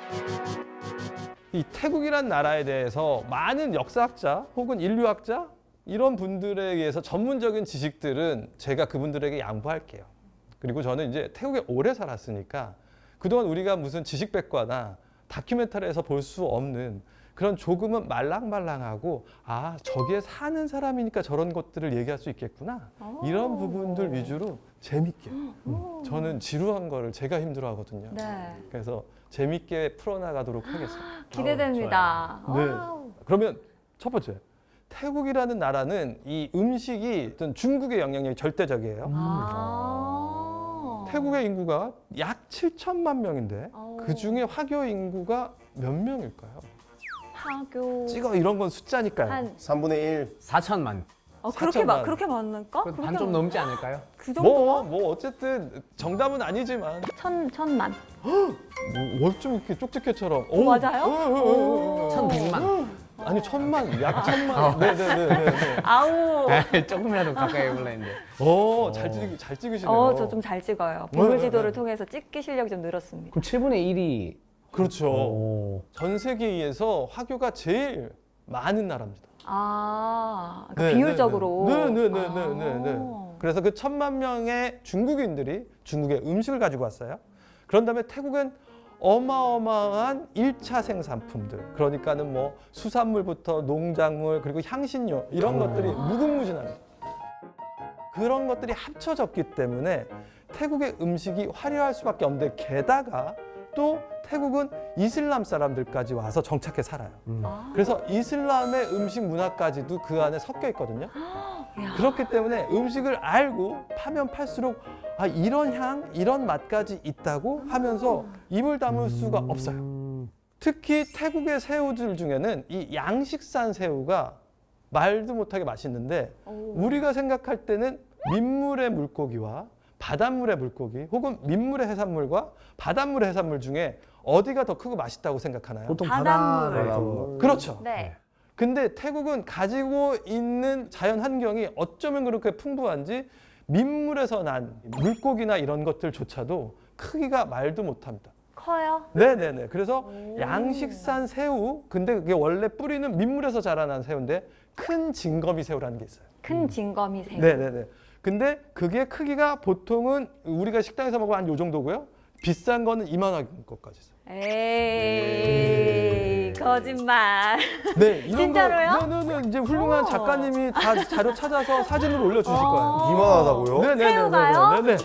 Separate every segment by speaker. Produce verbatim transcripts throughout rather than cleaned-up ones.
Speaker 1: 이 태국이란 나라에 대해서 많은 역사학자 혹은 인류학자 이런 분들에 의해서 전문적인 지식들은 제가 그분들에게 양보할게요. 그리고 저는 이제 태국에 오래 살았으니까 그동안 우리가 무슨 지식백과나 다큐멘터리에서 볼 수 없는 그런 조금은 말랑말랑하고 아 저기에 사는 사람이니까 저런 것들을 얘기할 수 있겠구나 이런 부분들 위주로 재밌게 음, 저는 지루한 거를 제가 힘들어하거든요.
Speaker 2: 네.
Speaker 1: 그래서 재밌게 풀어나가도록 하겠습니다.
Speaker 2: 기대됩니다.
Speaker 1: 네.
Speaker 2: 와우.
Speaker 1: 그러면 첫 번째 태국이라는 나라는 이 음식이 어떤 중국의 영향력이 절대적이에요.
Speaker 2: 아.
Speaker 1: 태국의 인구가 약 칠천만 명인데
Speaker 2: 오.
Speaker 1: 그 중에 화교 인구가 몇 명일까요?
Speaker 2: 하교.
Speaker 1: 찍어 이런 건 숫자니까요.
Speaker 2: 한
Speaker 3: 삼분의 일.
Speaker 4: 사천만.
Speaker 2: 어, 그렇게
Speaker 1: 사천만.
Speaker 2: 마, 그렇게 많을까?
Speaker 4: 반
Speaker 2: 그렇게
Speaker 4: 좀
Speaker 2: 많-
Speaker 4: 넘지 않을까요?
Speaker 2: 그 정도?
Speaker 1: 뭐, 뭐 어쨌든 정답은 아니지만
Speaker 2: 천 천만.
Speaker 1: 뭐 어쩜 이렇게 쪽집게처럼
Speaker 2: 오, 맞아요? 오.
Speaker 4: 천백만.
Speaker 1: 아니 천만, 약 천만. 네네네네.
Speaker 2: 아우.
Speaker 4: 조금이라도 가까이 해보려 했는데.
Speaker 1: 오, 잘 찍, 잘 찍으시네요.
Speaker 2: 어, 저 좀 잘 찍어요.
Speaker 1: 네,
Speaker 2: 보물
Speaker 1: 네,
Speaker 2: 지도를
Speaker 1: 네.
Speaker 2: 통해서 찍기 실력이 좀 늘었습니다.
Speaker 4: 그럼 칠분의 일이.
Speaker 1: 그렇죠.
Speaker 4: 오.
Speaker 1: 전 세계에서 화교가 제일 많은 나라입니다.
Speaker 2: 아, 그러니까
Speaker 1: 네,
Speaker 2: 비율적으로.
Speaker 1: 네네네네네네.
Speaker 2: 아.
Speaker 1: 그래서 그 천만 명의 중국인들이 중국의 음식을 가지고 왔어요. 그런 다음에 태국은 어마어마한 일 차 생산품들, 그러니까는 뭐 수산물부터 농작물 그리고 향신료 이런 것들이 무궁무진합니다. 그런 것들이 합쳐졌기 때문에 태국의 음식이 화려할 수밖에 없는데 게다가 또 태국은 이슬람 사람들까지 와서 정착해 살아요.
Speaker 2: 아.
Speaker 1: 그래서 이슬람의 음식 문화까지도 그 안에 섞여 있거든요.
Speaker 2: 야.
Speaker 1: 그렇기 때문에 음식을 알고 파면 팔수록 아 이런 향, 이런 맛까지 있다고 하면서 입을 다물 수가 없어요. 특히 태국의 새우들 중에는 이 양식산 새우가 말도 못하게 맛있는데
Speaker 2: 오.
Speaker 1: 우리가 생각할 때는 민물의 물고기와 바닷물의 물고기 혹은 민물의 해산물과 바닷물의 해산물 중에 어디가 더 크고 맛있다고 생각하나요?
Speaker 4: 보통
Speaker 2: 바닷물.
Speaker 4: 바닷물.
Speaker 1: 그렇죠.
Speaker 2: 네.
Speaker 1: 근데 태국은 가지고 있는 자연 환경이 어쩌면 그렇게 풍부한지 민물에서 난 물고기나 이런 것들조차도 크기가 말도 못합니다.
Speaker 2: 커요?
Speaker 1: 네네네. 그래서
Speaker 2: 오.
Speaker 1: 양식산 새우, 근데 그게 원래 뿌리는 민물에서 자라난 새우인데 큰 징거미 새우라는 게 있어요.
Speaker 2: 큰 징거미 새우.
Speaker 1: 네네네. 근데 그게 크기가 보통은 우리가 식당에서 먹으면 한 요 정도고요. 비싼 거는 이만한 것까지 있어요.
Speaker 2: 에이, 거짓말.
Speaker 1: 네, 이런
Speaker 2: 진짜로요?
Speaker 1: 거, 네네네. 이제 훌륭한
Speaker 2: 어.
Speaker 1: 작가님이 다 자료 찾아서 사진을 올려주실 거예요.
Speaker 3: 이만하다고요?
Speaker 1: 네네네.
Speaker 2: 새우가요?
Speaker 1: 네네.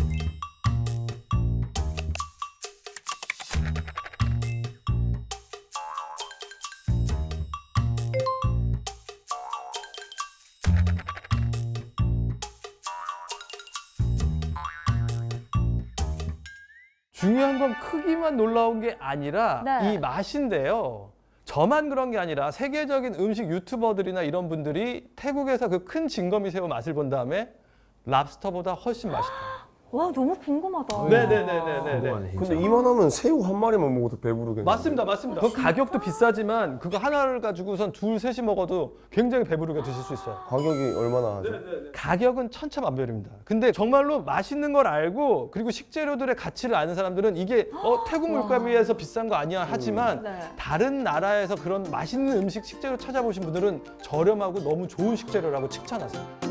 Speaker 1: 중요한 건 크기만 놀라운 게 아니라
Speaker 2: 네.
Speaker 1: 이 맛인데요. 저만 그런 게 아니라 세계적인 음식 유튜버들이나 이런 분들이 태국에서 그 큰 징거미 새우 맛을 본 다음에 랍스터보다 훨씬 맛있다.
Speaker 2: 와, 너무 궁금하다.
Speaker 1: 네네네네네.
Speaker 4: 궁금하네, 진짜.
Speaker 3: 근데 이만하면 새우 한 마리만 먹어도 배부르겠네.
Speaker 1: 맞습니다, 맞습니다. 그 가격도 비싸지만 그거 하나를 가지고선 둘, 셋이 먹어도 굉장히 배부르게 드실 수 있어요.
Speaker 3: 가격이 얼마나 하죠?
Speaker 1: 가격은 천차만별입니다. 근데 정말로 맛있는 걸 알고 그리고 식재료들의 가치를 아는 사람들은 이게 어, 태국 물가비해서 비싼 거 아니야 하지만
Speaker 2: 네.
Speaker 1: 다른 나라에서 그런 맛있는 음식 식재료 찾아보신 분들은 저렴하고 너무 좋은 식재료라고 칭찬하세요.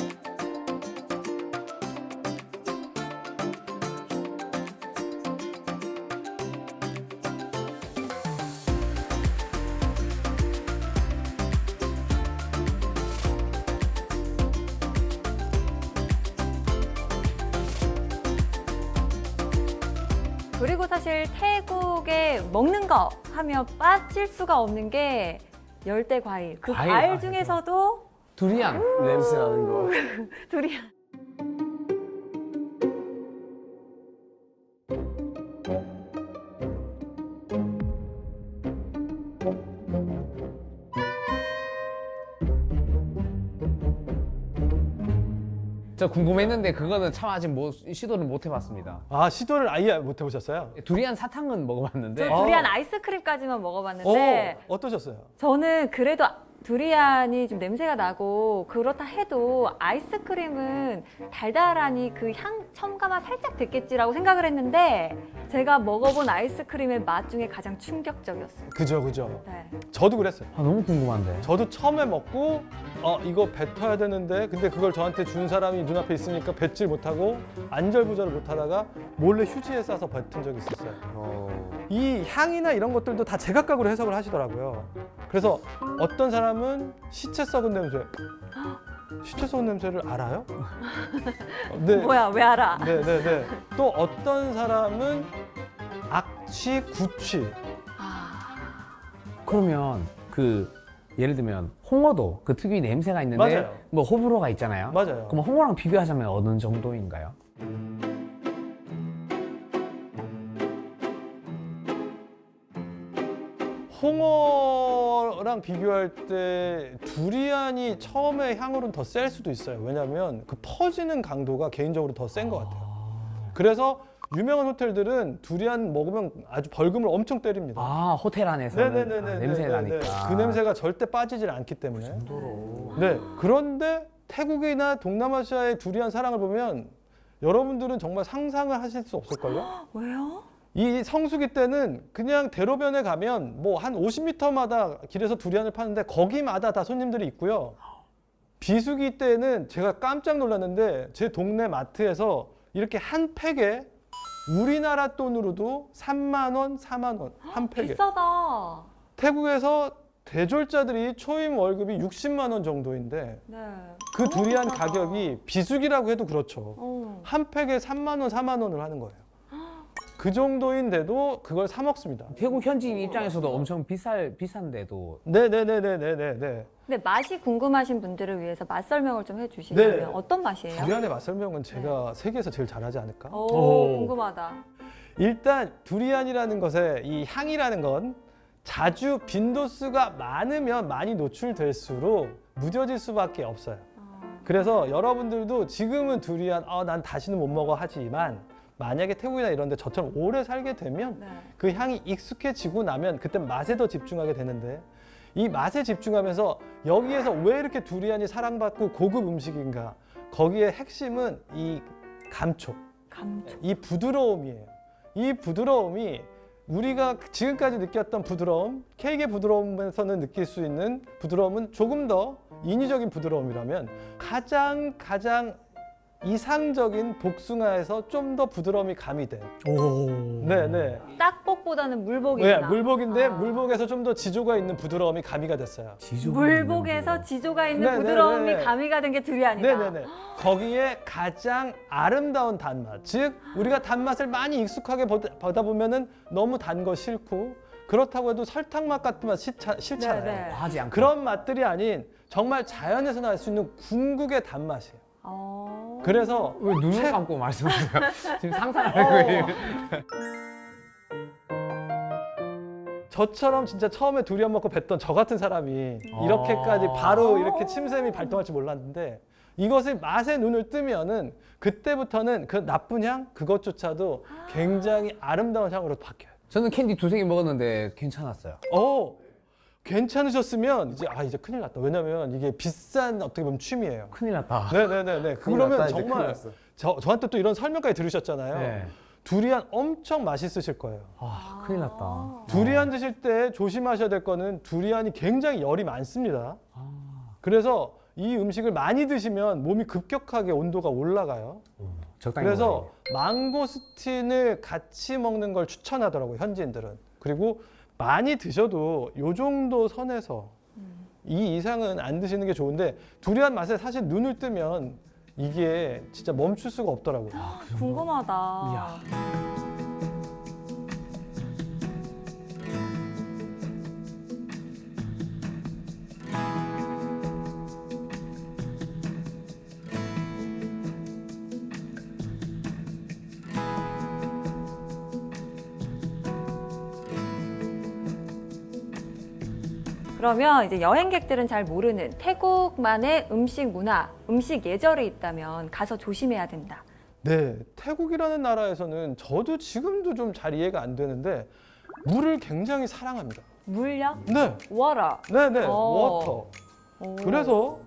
Speaker 2: 그리고 사실 태국에 먹는 거 하면 빠질 수가 없는 게 열대 과일. 그
Speaker 4: 과일,
Speaker 2: 과일,
Speaker 4: 아,
Speaker 2: 중에서도
Speaker 4: 두리안.
Speaker 3: 냄새 나는 거.
Speaker 2: 두리안.
Speaker 4: 저 궁금했는데 그거는 참 아직 뭐 시도를 못 해봤습니다.
Speaker 1: 아 시도를 아예 못 해보셨어요?
Speaker 4: 두리안 사탕은 먹어봤는데
Speaker 2: 저
Speaker 1: 아.
Speaker 2: 두리안 아이스크림까지만 먹어봤는데
Speaker 1: 어, 어떠셨어요?
Speaker 2: 저는 그래도 두리안이 좀 냄새가 나고 그렇다 해도 아이스크림은 달달하니 그 향 첨가만 살짝 됐겠지라고 생각을 했는데 제가 먹어본 아이스크림의 맛 중에 가장 충격적이었어요.
Speaker 1: 그죠, 그죠.
Speaker 2: 네.
Speaker 1: 저도 그랬어요.
Speaker 4: 아, 너무 궁금한데.
Speaker 1: 저도 처음에 먹고 어 이거 뱉어야 되는데 근데 그걸 저한테 준 사람이 눈앞에 있으니까 뱉질 못하고 안절부절을 못하다가 몰래 휴지에 싸서 뱉은 적이 있었어요.
Speaker 3: 어.
Speaker 1: 이 향이나 이런 것들도 다 제각각으로 해석을 하시더라고요. 그래서 어떤 사람은 시체 썩은 냄새, 시체 썩은 냄새를 알아요? 네,
Speaker 2: 뭐야, 왜 알아?
Speaker 1: 네, 네, 네. 또 어떤 사람은 악취, 구취.
Speaker 2: 아,
Speaker 4: 그러면 그 예를 들면 홍어도 그 특유의 냄새가 있는데
Speaker 1: 맞아요.
Speaker 4: 뭐 호불호가 있잖아요.
Speaker 1: 맞아요.
Speaker 4: 그럼 홍어랑 비교하자면 어느 정도인가요?
Speaker 1: 홍어랑 비교할 때 두리안이 처음에 향으로는 더 셀 수도 있어요. 왜냐하면 그 퍼지는 강도가 개인적으로 더 센 것 같아요. 그래서 유명한 호텔들은 두리안 먹으면 아주 벌금을 엄청 때립니다.
Speaker 4: 아 호텔 안에서는
Speaker 1: 네네네네.
Speaker 4: 아, 냄새 나니까.
Speaker 1: 그 냄새가 절대 빠지질 않기 때문에. 네. 그런데 태국이나 동남아시아의 두리안 사랑을 보면 여러분들은 정말 상상을 하실 수 없을걸요?
Speaker 2: 왜요?
Speaker 1: 이 성수기 때는 그냥 대로변에 가면 뭐 한 오십 미터마다 길에서 두리안을 파는데 거기마다 다 손님들이 있고요. 비수기 때는 제가 깜짝 놀랐는데 제 동네 마트에서 이렇게 한 팩에 우리나라 돈으로도 삼만 원, 사만 원 한 팩에.
Speaker 2: 비싸다.
Speaker 1: 태국에서 대졸자들이 초임 월급이 육십만 원 정도인데
Speaker 2: 네.
Speaker 1: 그
Speaker 2: 너무
Speaker 1: 두리안
Speaker 2: 비싸다.
Speaker 1: 가격이 비수기라고 해도 그렇죠.
Speaker 2: 어.
Speaker 1: 한 팩에 삼만 원, 사만 원을 하는 거예요. 그 정도인데도 그걸 사 먹습니다.
Speaker 4: 태국 현지인 입장에서도 엄청 비쌀 비싼데도
Speaker 1: 네네네네네네.
Speaker 2: 근데 맛이 궁금하신 분들을 위해서 맛 설명을 좀 해주시면
Speaker 1: 네.
Speaker 2: 어떤 맛이에요?
Speaker 1: 두리안의 맛 설명은 제가 세계에서 제일 잘하지 않을까?
Speaker 2: 오,
Speaker 4: 오.
Speaker 2: 궁금하다.
Speaker 1: 일단 두리안이라는 것의 이 향이라는 건 자주 빈도수가 많으면 많이 노출될수록 무뎌질 수밖에 없어요.
Speaker 2: 어.
Speaker 1: 그래서 여러분들도 지금은 두리안 아, 난 다시는 못 먹어 하지만 만약에 태국이나 이런 데 저처럼 오래 살게 되면
Speaker 2: 네.
Speaker 1: 그 향이 익숙해지고 나면 그때 맛에 더 집중하게 되는데 이 맛에 집중하면서 여기에서 왜 이렇게 두리안이 사랑받고 고급 음식인가? 거기에 핵심은 이 감촉,
Speaker 2: 감촉.
Speaker 1: 이 부드러움이에요. 이 부드러움이 우리가 지금까지 느꼈던 부드러움, 케이크의 부드러움에서는 느낄 수 있는 부드러움은 조금 더 인위적인 부드러움이라면 가장 가장 이상적인 복숭아에서 좀 더 부드러움이 가미된. 네네.
Speaker 2: 딱복보다는 물복이구나.
Speaker 1: 네, 물복인데
Speaker 2: 아.
Speaker 1: 물복에서 좀 더 지조가 있는 부드러움이 가미가 됐어요.
Speaker 2: 물복에서 지조가 있는
Speaker 1: 네,
Speaker 2: 부드러움이
Speaker 1: 네, 네.
Speaker 2: 가미가 된 게 두리안이다.
Speaker 1: 네네네. 거기에 가장 아름다운 단맛, 즉 우리가 단맛을 많이 익숙하게 보다, 보다 보면은 너무 단 거 싫고 그렇다고 해도 설탕 맛 같은 맛 싫자, 싫잖아요.
Speaker 2: 네, 네.
Speaker 4: 과하지 않고
Speaker 1: 그런 맛들이 아닌 정말 자연에서 날 수 있는 궁극의 단맛이에요.
Speaker 2: 어.
Speaker 1: 그래서
Speaker 4: 왜 눈을
Speaker 1: 책-
Speaker 4: 감고 말씀하세요? 지금 상상하는 거예요.
Speaker 1: 저처럼 진짜 처음에 두리안 먹고 뱉던 저 같은 사람이
Speaker 4: 아.
Speaker 1: 이렇게까지 바로 이렇게 침샘이 발동할 줄 몰랐는데 이것을 맛에 눈을 뜨면은 그때부터는 그 나쁜 향 그것조차도 굉장히 아름다운 향으로 바뀌어요.
Speaker 4: 저는 캔디 두세 개 먹었는데 괜찮았어요.
Speaker 1: 어, 괜찮으셨으면 이제 아 이제 큰일 났다. 왜냐면 이게 비싼 어떻게 보면 취미예요.
Speaker 4: 큰일 났다.
Speaker 1: 네네네네.
Speaker 3: 큰일
Speaker 1: 그러면
Speaker 3: 났다, 이제 큰일
Speaker 1: 정말
Speaker 3: 났어.
Speaker 1: 저 저한테 또 이런 설명까지 들으셨잖아요.
Speaker 4: 네.
Speaker 1: 두리안 엄청 맛있으실 거예요.
Speaker 4: 아, 큰일 났다.
Speaker 1: 두리안 드실 때 조심하셔야 될 거는 두리안이 굉장히 열이 많습니다.
Speaker 4: 아,
Speaker 1: 그래서 이 음식을 많이 드시면 몸이 급격하게 온도가 올라가요.
Speaker 4: 적당히
Speaker 1: 그래서
Speaker 4: 먹어야
Speaker 1: 망고스틴을 같이 먹는 걸 추천하더라고요, 현지인들은. 그리고 많이 드셔도 요 정도 선에서 이 이상은 안 드시는 게 좋은데 두리안 맛에 사실 눈을 뜨면 이게 진짜 멈출 수가 없더라고요.
Speaker 2: 궁금하다.
Speaker 4: 이야.
Speaker 2: 그러면 이제 여행객들은 잘 모르는 태국만의 음식 문화, 음식 예절이 있다면 가서 조심해야 된다.
Speaker 1: 네, 태국이라는 나라에서는 저도 지금도 좀 잘 이해가 안 되는데 물을 굉장히 사랑합니다.
Speaker 2: 물요?
Speaker 1: 네,
Speaker 2: 워라.
Speaker 1: 네, 네,
Speaker 2: 어.
Speaker 1: 워터.
Speaker 2: 오.
Speaker 1: 그래서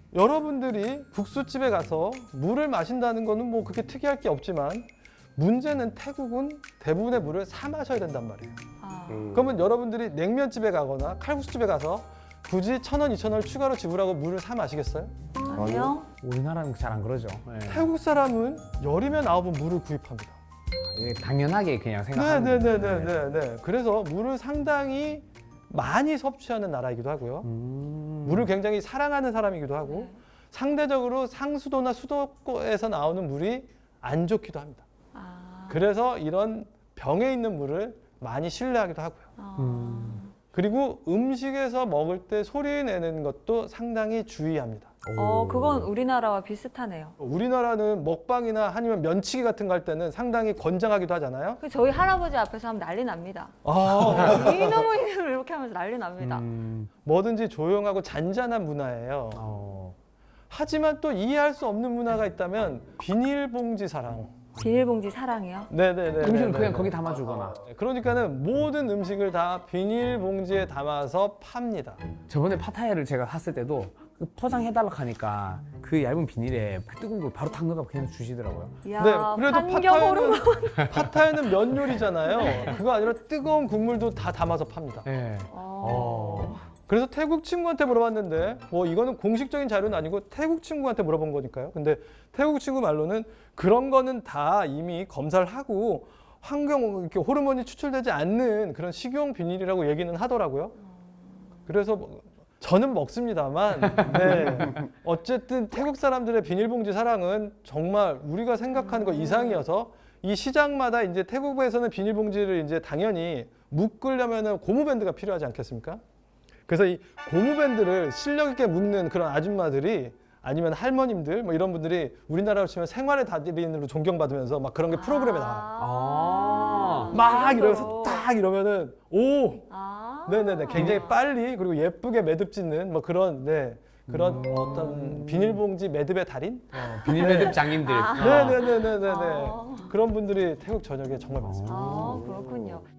Speaker 1: 여러분들이 국수집에 가서 물을 마신다는 거는 뭐 그렇게 특이할 게 없지만 문제는 태국은 대부분의 물을 사 마셔야 된단 말이에요.
Speaker 2: 아.
Speaker 3: 음.
Speaker 1: 그러면 여러분들이 냉면집에 가거나 칼국수집에 가서 굳이 천 원, 이천 원을 추가로 지불하고 물을 사 마시겠어요?
Speaker 2: 아니요.
Speaker 4: 우리나라는 잘 안 그러죠. 예.
Speaker 1: 태국 사람은 열이면 아홉은 물을 구입합니다.
Speaker 4: 이게 당연하게 그냥 생각하는
Speaker 1: 네, 네, 네,
Speaker 4: 거죠.
Speaker 1: 네, 네, 네. 그래서 물을 상당히 많이 섭취하는 나라이기도 하고요.
Speaker 4: 음.
Speaker 1: 물을 굉장히 사랑하는 사람이기도 하고
Speaker 2: 네.
Speaker 1: 상대적으로 상수도나 수도에서 나오는 물이 안 좋기도 합니다.
Speaker 2: 아.
Speaker 1: 그래서 이런 병에 있는 물을 많이 신뢰하기도 하고요.
Speaker 2: 아.
Speaker 4: 음.
Speaker 1: 그리고 음식에서 먹을 때 소리 내는 것도 상당히 주의합니다.
Speaker 2: 어, 그건 우리나라와 비슷하네요.
Speaker 1: 우리나라는 먹방이나 아니면 면치기 같은 거 할 때는 상당히 권장하기도 하잖아요.
Speaker 2: 그 저희 할아버지 앞에서 하면 난리 납니다.
Speaker 1: 아,
Speaker 2: 이놈의 이놈을 이렇게 하면서 난리 납니다.
Speaker 4: 음.
Speaker 1: 뭐든지 조용하고 잔잔한 문화예요.
Speaker 4: 어.
Speaker 1: 하지만 또 이해할 수 없는 문화가 있다면 비닐봉지 사랑.
Speaker 2: 비닐봉지 사랑이요?
Speaker 1: 네네네.
Speaker 4: 음식을 그냥 거기 담아주거나.
Speaker 1: 그러니까는 모든 음식을 다 비닐봉지에 담아서 팝니다.
Speaker 4: 저번에 파타야를 제가 샀을 때도 그 포장해달라고 하니까 그 얇은 비닐에 그 뜨거운 걸 바로 담가서 그냥 주시더라고요.
Speaker 2: 이야,
Speaker 1: 네, 그래도
Speaker 2: 환경 호르몬.
Speaker 1: 파타야는 파타야는 면 요리잖아요. 그거 아니라 뜨거운 국물도 다 담아서 팝니다.
Speaker 4: 네.
Speaker 2: 어.
Speaker 1: 그래서 태국 친구한테 물어봤는데 뭐 이거는 공식적인 자료는 아니고 태국 친구한테 물어본 거니까요. 근데 태국 친구 말로는 그런 거는 다 이미 검사를 하고 환경 이렇게 호르몬이 추출되지 않는 그런 식용 비닐이라고 얘기는 하더라고요. 그래서 뭐 저는 먹습니다만 네. 어쨌든 태국 사람들의 비닐봉지 사랑은 정말 우리가 생각하는 것 이상이어서 이 시장마다 이제 태국에서는 비닐봉지를 이제 당연히 묶으려면은 고무밴드가 필요하지 않겠습니까? 그래서 이 고무밴드를 실력 있게 묶는 그런 아줌마들이 아니면 할머님들 뭐 이런 분들이 우리나라로 치면 생활의 달인으로 존경받으면서 막 그런 게 프로그램에 나와요.
Speaker 4: 아.
Speaker 1: 막
Speaker 2: 그
Speaker 1: 이러면서
Speaker 2: 정도로.
Speaker 1: 딱 이러면은 오,
Speaker 2: 아.
Speaker 1: 네네네, 굉장히 빨리 그리고 예쁘게 매듭 짓는 뭐 그런 네 그런 어떤 비닐봉지 매듭의 달인?
Speaker 4: 어, 비닐 매듭 장인들.
Speaker 2: 아.
Speaker 1: 네네네네네네
Speaker 2: 아.
Speaker 1: 그런 분들이 태국 전역에 정말 많습니다.
Speaker 2: 아, 그렇군요.